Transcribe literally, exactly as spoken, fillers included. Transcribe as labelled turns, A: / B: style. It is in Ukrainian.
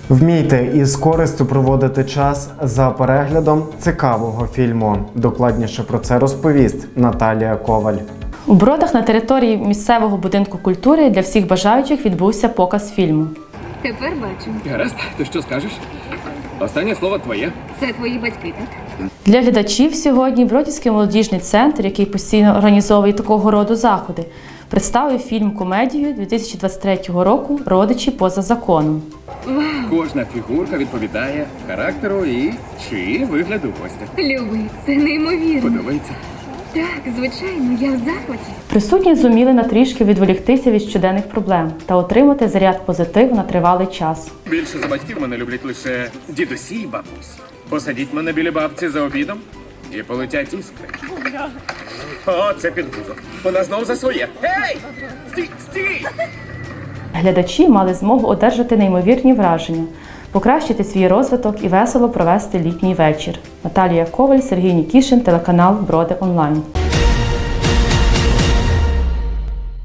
A: Вмійте із користю проводити час за переглядом цікавого фільму. Докладніше про це розповість Наталія Коваль.
B: У Бродах на території місцевого будинку культури для всіх бажаючих відбувся показ фільму.
C: Тепер бачу.
D: Гаразд, ти що скажеш? Останнє слово твоє.
C: Це твої батьки, так?
B: Для глядачів сьогодні Бродівський молодіжний центр, який постійно організовує такого роду заходи, представив фільм-комедію дві тисячі двадцять третього року «Родичі поза законом».
D: Кожна фігурка відповідає характеру і чи вигляду гостя.
C: Любий, це неймовірно.
D: Подобається?
C: Так, звичайно, я в захваті.
B: Присутні зуміли на трішки відволіктися від щоденних проблем та отримати заряд позитиву на тривалий час.
D: Більше за батьків мене люблять лише дідусі і бабусі. Посадіть мене біля бабці за обідом і полетять іскри. О, це підгузо. Вона знов за своє. Гей! Стій, стій!
B: Глядачі мали змогу одержати неймовірні враження, покращити свій розвиток і весело провести літній вечір. Наталія Коваль, Сергій Нікішин, телеканал Броди Онлайн.